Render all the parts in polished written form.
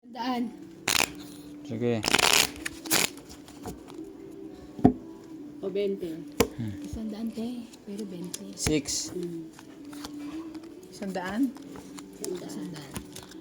Daan. Sige. O 20. 100 te, pero 20. 6. 100? 100.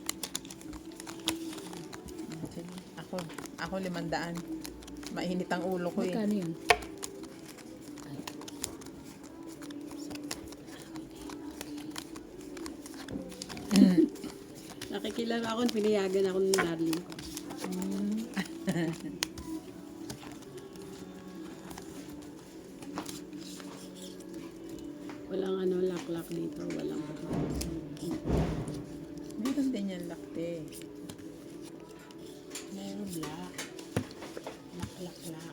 Sige. Ako 500. Mainit ang ulo ko eh. Magkano yun? Nakikilala ako, pinayagan ako ng darling ko. Walang laklak dito, walang Meron din yan lakte. Meron black. Lak.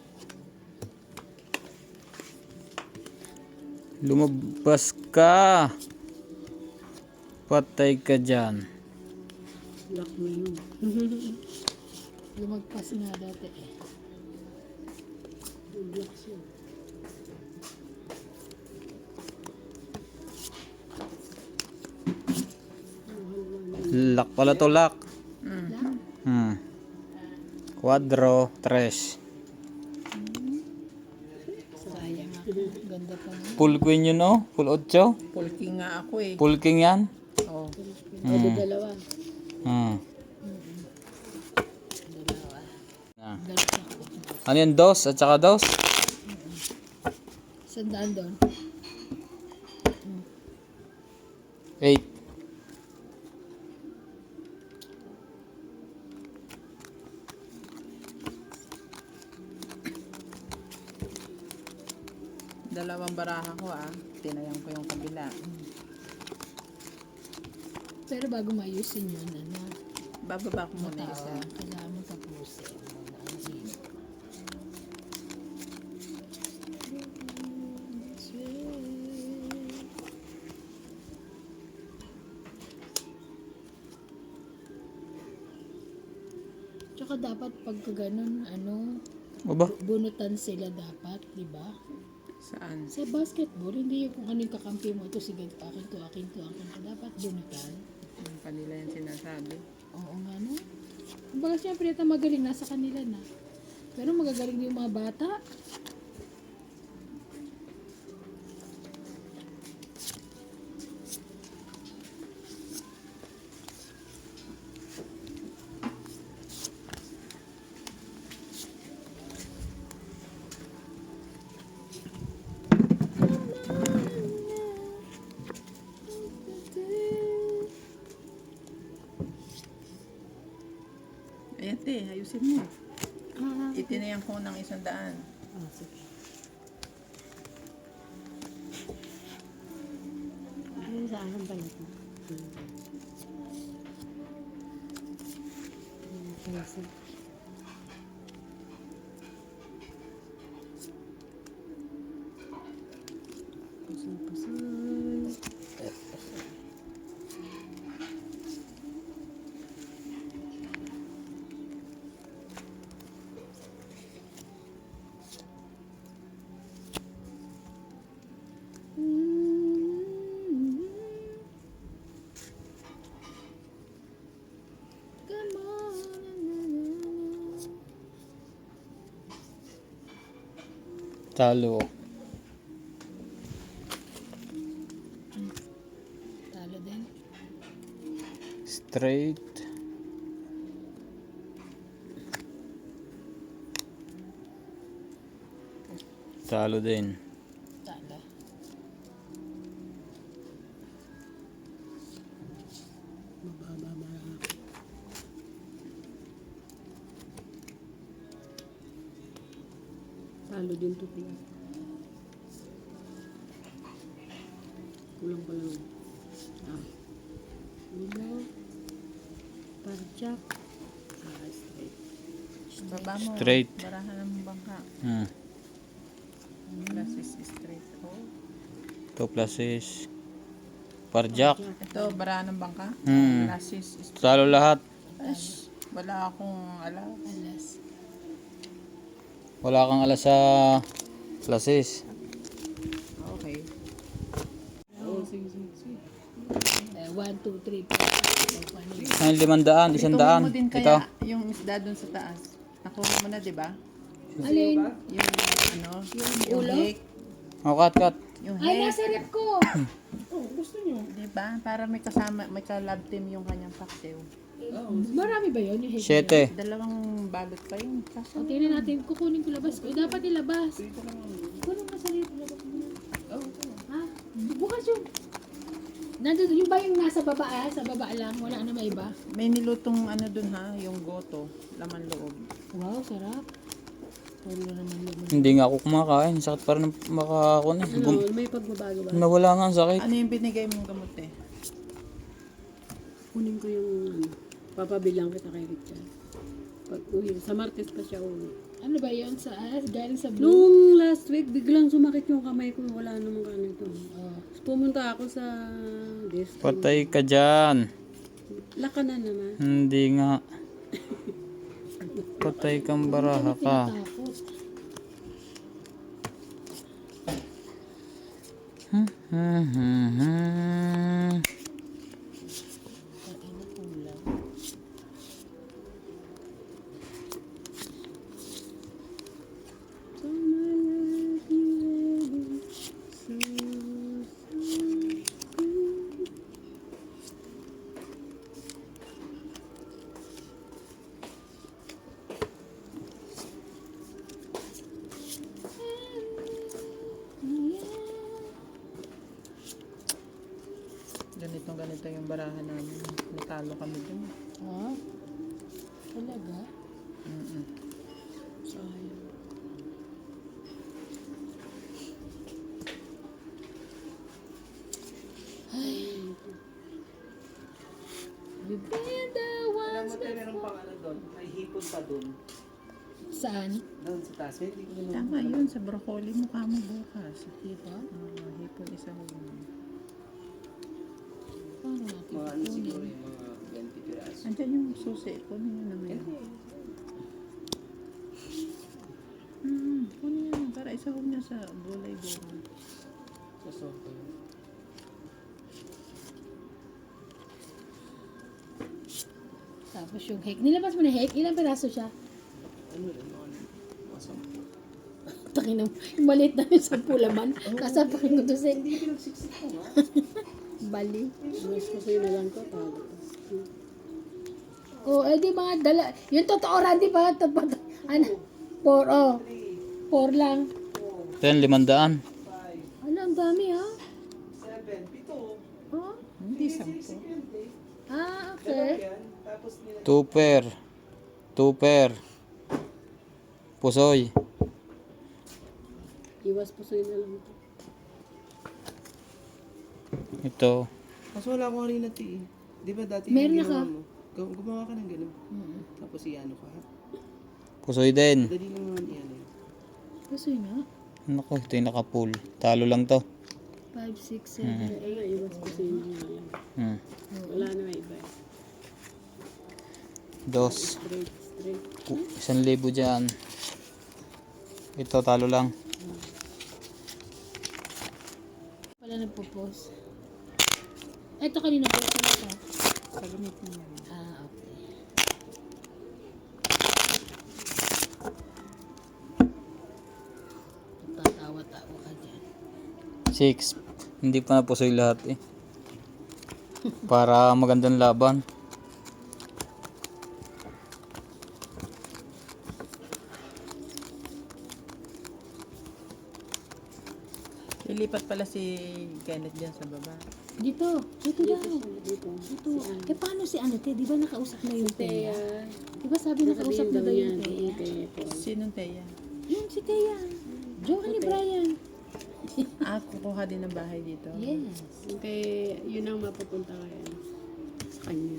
Lumabas ka. Patay ka dyan. black na yun. Lumagpas nga dati eh. Black siya. Lak pala to, lak. Lang. Quadro, 3. Sayang ako. Ganda pa nga. Full queen yun, no? Full 8. Pulking nga ako eh. Full king yan. Oh. O, dalawa. Dalawa. Ah. Galit ako. Ano yan, 2 at saka 2? 100 doon. 8. Dalawang baraha ko ah. Tinayang ko yung kabila. Pero bago mayusin yun, Bababa ko muna isa. kailangan mo tapusin muna ang hino. Tsaka dapat pagka ganun, Aba? bunutan sila dapat, di ba? Saan? Sa basketball, hindi yung kung ano yung kakampi mo, ito sige, akin to. Dapat bunutan. Yung kanila yung sinasabi. Oo nga no. Kumbaga siyempre ito magaling, nasa kanila na. Pero magagaling din yung mga bata. Ayan te, ayusin mo. Ah, Itinayang ko ng 100. sige. Ayun sa akin pala ito. Kasi, pasal. Come on. Talo. Talo din. Straight. Talo din. Talo. Mababa marami. Talo din to, Pia. Kulang pa lang. Ulo. Parjak. Straight. Baba mo. Straight. Barahan ng bangka. Plus is straight. Oh. 2 plus is parjak. Ito, barahan ng bangka. Hmm. Plus is straight. Talo lahat. Ash, wala akong alam. Alas. Wala kang alas sa plasis. Okay. Oo, sige. 1, 2, 3, 4. Ang 500, 100. Mo din Ito. kaya yung isda dun sa taas. Nakuha mo na, di ba? Alin? Yung ano, yung ulo? hake. O, cut. Yung Ay, hake. nasa rep ko. Oh, gusto nyo? Di ba? Para may kasama, may ka-love team yung kanyang paksiw. Marami ba yun? Yung hate? 7. Dalawang balot pa yun. Kaso, O, tingnan natin. Kukunin ko labas ko. Dapat ilabas. Kunin mo sa rep. Labas mo na. Ha? Bukas yung... Nandun, yung ba yung nasa baba sa baba lang? Wala na may iba? may nilutong ano dun ha, yung goto, laman loob. Wow, sarap. Puro naman naman. Hindi nga ako kumakain. Sakit pa rin makakon eh. Ano, may pagbabago ba? Nawala nga ang sakit. Ano yung binigay mong gamot eh? Kunin ko yung ano, papabilang kita kay Richard. Pag uwi, sa Martes pa siya uwi. Ano ba yun? Galing sa blue? Nung last week, biglang sumakit yung kamay ko. Wala namang ganito. Oh. Pumunta ako sa desk. Patay ka dyan. Lakanan naman. Hindi nga. Patay kang baraha ka. Takot. So my life you Ganito yung barahan namin. Natalo kami dun. Ha? Talaga? Mm-mm. Sayang. You've been the ones Meron pang ano doon, may hipon pa doon. Saan? Doon sa taas, hindi ko naman. Tama yun, sa broccoli mukha mo bukas. Diba? Hipon isa ho. Paano natin Mga ano kukunin? siguro yung mga 20 piraso. Andyan yung susi. Kunin nyo naman yun. Kunin nyo naman. Para isa ho niya sa gulay-gulay. Sa soto. Tapos yung hake. Nilabas mo na hake? Ilang peraso siya? Ano rin, mga 10. Takin yung maliit na yung 10 laman. Kasapakin ko to sa Hindi pinagsiksik ko nga. bali. Mas kasi na lang ko. Tago. O, di mga dala. Yung totoo, Randy, ba? Ano? 4, oh. 4 lang. 10, 500. Ano, ang dami, ha? 7, 7, Oh? Hindi 10. Okay. yan. Tapos nila. Tuper. Pusoy. Iwas po sa'yo na lang ito. Ito. Mas wala akong harina ti. Di ba dati Meron yung na ka? ginawa mo? Gumawa ka ng gano'n. Tapos iano ka. Pusoy din. Dali naman iyan eh. Kasi na. Naku, ito yung naka-full. Talo lang to. 5, 6, 7. Ay nga, iwas po sa'yo na lang. Hmm. Wala na may iba. Dos. Straight. 1,000 dyan. Ito, talo lang. Wala nagpo-post. Ito kanina po siya. Pagamitin mo rin. Ah, okay. Tatawa-tawa ka dyan. 6. Hindi pa na pusoy lahat eh. Para magandang laban. Lilipat pala si Kenneth dyan sa baba. Dito daw. Dito. Dito. Eh, paano si ano, te? Di ba nakausap na yung Teya? Kaya, Di ba sabi nakausap na daw yung niya, Teya? Sinong Teya? Yung si Teya. Johan ni Brian. Kukuha din ng bahay dito. Yes. kaya yun ang mapupunta kaya sa kanya.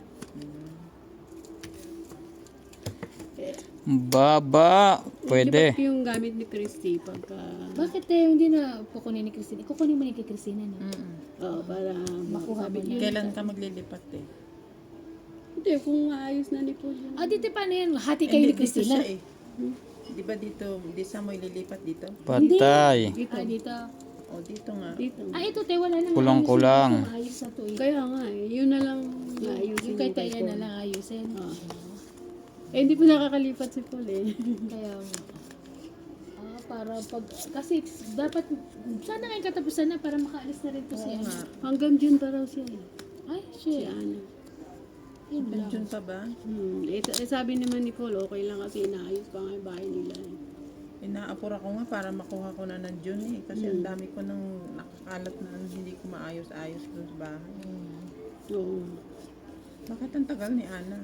Baba. Pwede. Di ba yung gamit ni Christy pagka... Bakit hindi na kukunin ni Christine? Kukunin mo ni kay Christine, no? Oo, para Makuha mo na. Kailan ka maglilipat eh? Hindi, kung maayos na ni Paul yun. Ah, dito paano yan? Hati kayo ni Dito Christina? siya eh. Di ba dito, di sa mo ililipat dito? Patay. Dito. Ah, dito. O, dito nga. Dito. Ah, ito te, wala nang Kulang-kulang. ayusin. Maayos na to eh. Kaya nga eh, yun na lang naayusin Yung kay kay Taya Paul. na lang ayusin. Ah. Eh, hindi pa nakakalipat si Paul eh. Kaya nga. Para pag, kasi dapat, sana ngayon katapusan na para makaalis na rin to si Oo ano. nga. Hanggang June pa raw siya eh. Ay, Si shit. Ana. Yun lang. Pension pa ba? Sabi naman ni Paul, okay lang kasi inaayos pa nga yung bahay nila eh. Inaapura ko nga para makuha ko na ng June eh. Kasi ang dami ko nang nakakalat na hindi ko maayos-ayos doon sa bahay. Oo. Bakit ang tagal ni Ana?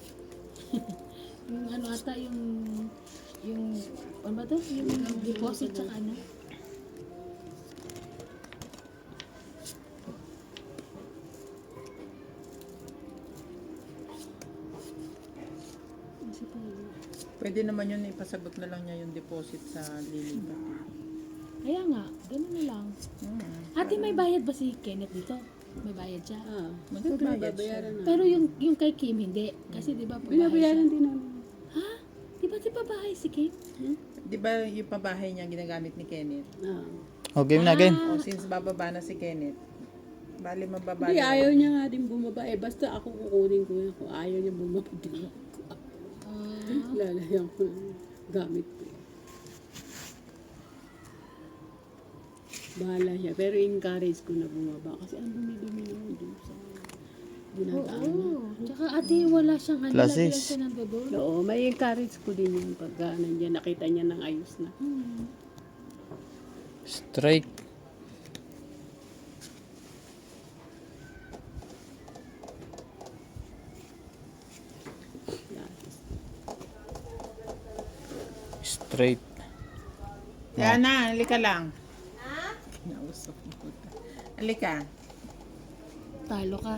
Yung ano ata, yung, ano ba to? Yung deposit tsaka ano. Kasi Paul. Pwede naman yun, ipasagot na lang niya yung deposit sa lilipat. Kaya nga, ganun na lang. Ate, may bayad ba si Kenneth dito? May bayad siya. Magbabayad siya. Babayaran na. Pero yung kay Kim, hindi. Kasi di ba pabahay siya? Binabayaran din namin. Ha? Di ba bahay si Kim? Di ba yung pabahay niya ginagamit ni Kenneth? Ah. O, game na game. O since bababa na si Kenneth, bali mababa Hindi, na. ayaw niya nga din bumaba. Eh, basta ako kukunin ko yan. Kung ayaw niya bumaba, din ako. Lalayan ko na gamit ko. Bahala siya. Pero encourage ko na bumaba. Kasi ang dumi-dumi naman dun sa dinadaan na. Oo. Tsaka ate, wala siyang ano. Plus Lagi lang six. siya ng dodol. Oo, may encourage ko din yun pagka nandiyan nakita niya ng ayos na. Straight. Straight. Yan na, halika lang. Ha? Kinausap mo. Halika. Talo ka.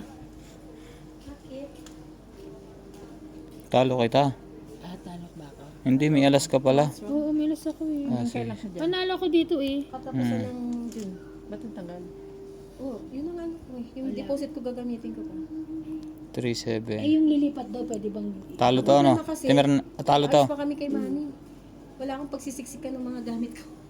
Talo kita. Ah, talo ba ako? Hindi, may alas ka pala. Oo, milas ako eh. Ah, sige. Panalo ko dito eh. Katapusan ng June. Ba't ang tagal? Oo, yun ang ano ko eh. Yung deposit ko gagamitin ko pa. 3-7. Eh, yung lilipat daw, pwede bang... Talo to, ano? Wala na kasi. Timer, talo to. Ayos pa kami kay Manny. Wala akong pagsisiksikan ng mga gamit ko.